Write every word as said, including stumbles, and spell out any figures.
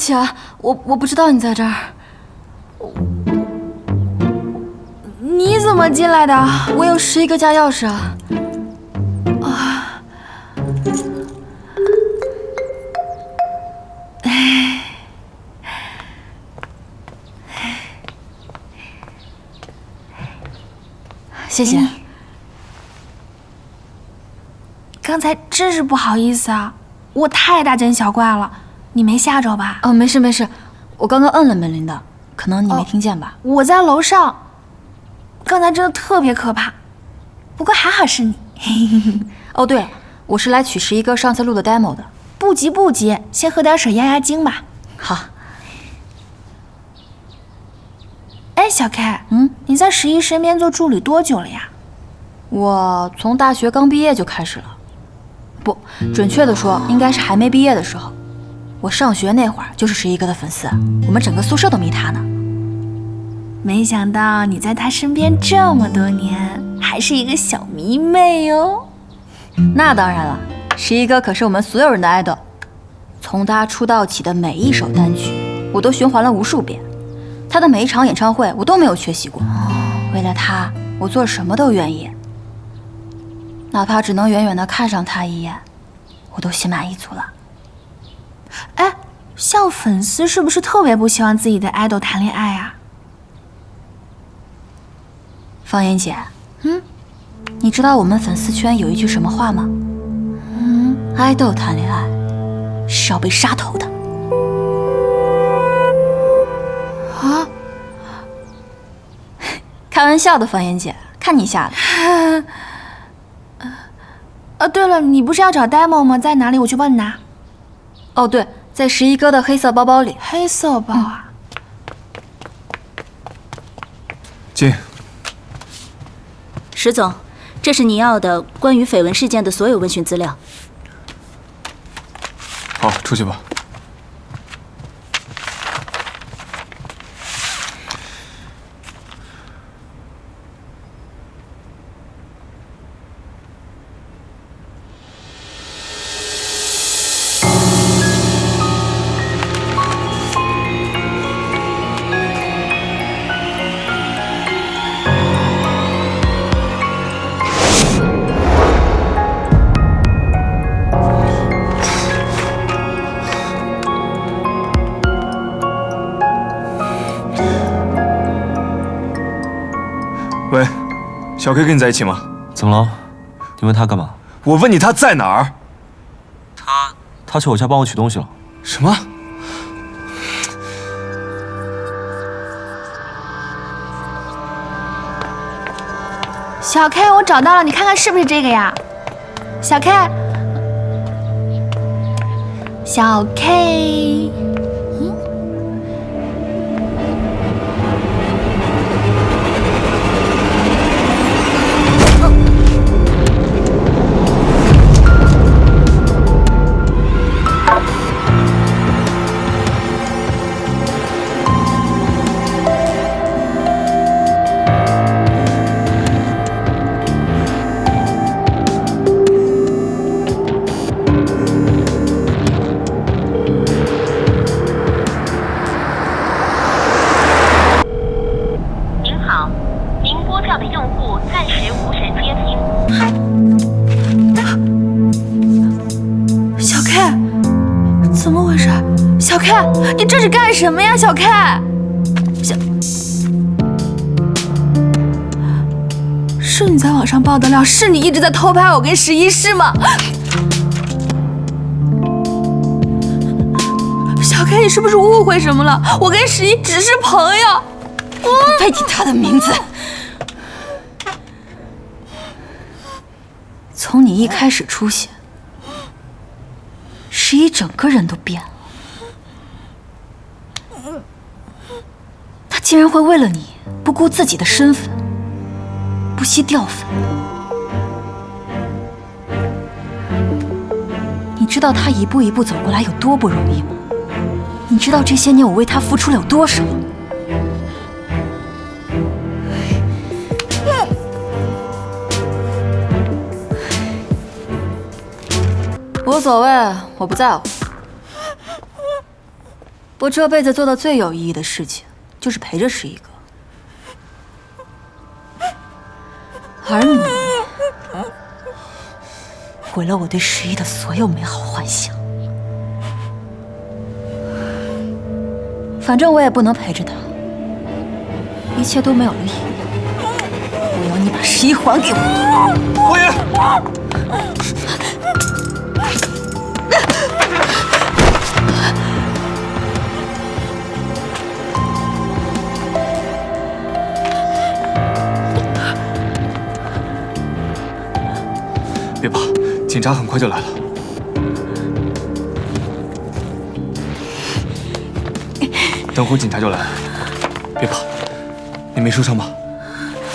起啊，我我不知道你在这儿。 你怎么进来的？ 我有十一个家钥匙啊。 啊。哎。 谢谢。 刚才真是不好意思啊，我太大惊小怪了，你没吓着吧？ 哦，没事没事，我刚刚摁了门铃的，可能你没听见吧？ 哦、我在楼上，刚才真的特别可怕，不过还好是你。 哦，对了，我是来取十一哥上次录的 demo 的。 不急不急，先喝点水压压惊吧。 好。 哎，小 K， 嗯， 你在十一身边做助理多久了呀？ 我从大学刚毕业就开始了，不，准确的说，应该是还没毕业的时候。我上学那会儿就是十一哥的粉丝，我们整个宿舍都迷他呢。 没想到你在他身边这么多年，还是一个小迷妹哦。 那当然了，十一哥可是我们所有人的 idol， 从他出道起的每一首单曲，我都循环了无数遍。他的每一场演唱会，我都没有缺席过。为了他，我做什么都愿意，哪怕只能远远地看上他一眼，我都心满意足了。 哎，像粉丝是不是特别不希望自己的 idol 谈恋爱啊？ 方言姐， 嗯， 你知道我们粉丝圈有一句什么话吗？ 嗯， 爱豆谈恋爱是要被杀头的。 啊？ 开玩笑的，方言姐，看你吓的。 啊，对了，你不是要找 demo 吗？在哪里？我去帮你拿。 哦，对，在十一哥的黑色包包里。 黑色包啊？ 进。 石总，这是你要的关于绯闻事件的所有问询资料。 好，出去吧。喂，小 K 跟你在一起吗？ 怎么了？你问他干嘛？ 我问你他在哪儿？ 他他去我家帮我取东西了。 什么？ 小 K， 我找到了，你看看是不是这个呀？小 K， 小 K。小 K， 你这是干什么呀？小 K， 小，是你在网上爆的料，是你一直在偷拍我跟十一是吗？小 K， 你是不是误会什么了？我跟十一只是朋友。 不配提他的名字。从你一开始出现，十一整个人都变了。他竟然会为了你不顾自己的身份，不惜掉粉。你知道他一步一步走过来有多不容易吗？你知道这些年我为他付出了有多少？无所谓，我不在乎。 我这辈子做的最有意义的事情，就是陪着十一哥。而你，毁了我对十一的所有美好幻想。反正我也不能陪着他，一切都没有了意义。我要你把十一还给我。 侯爷，别怕，警察很快就来了。等会儿警察就来了，别怕，你没受伤吧？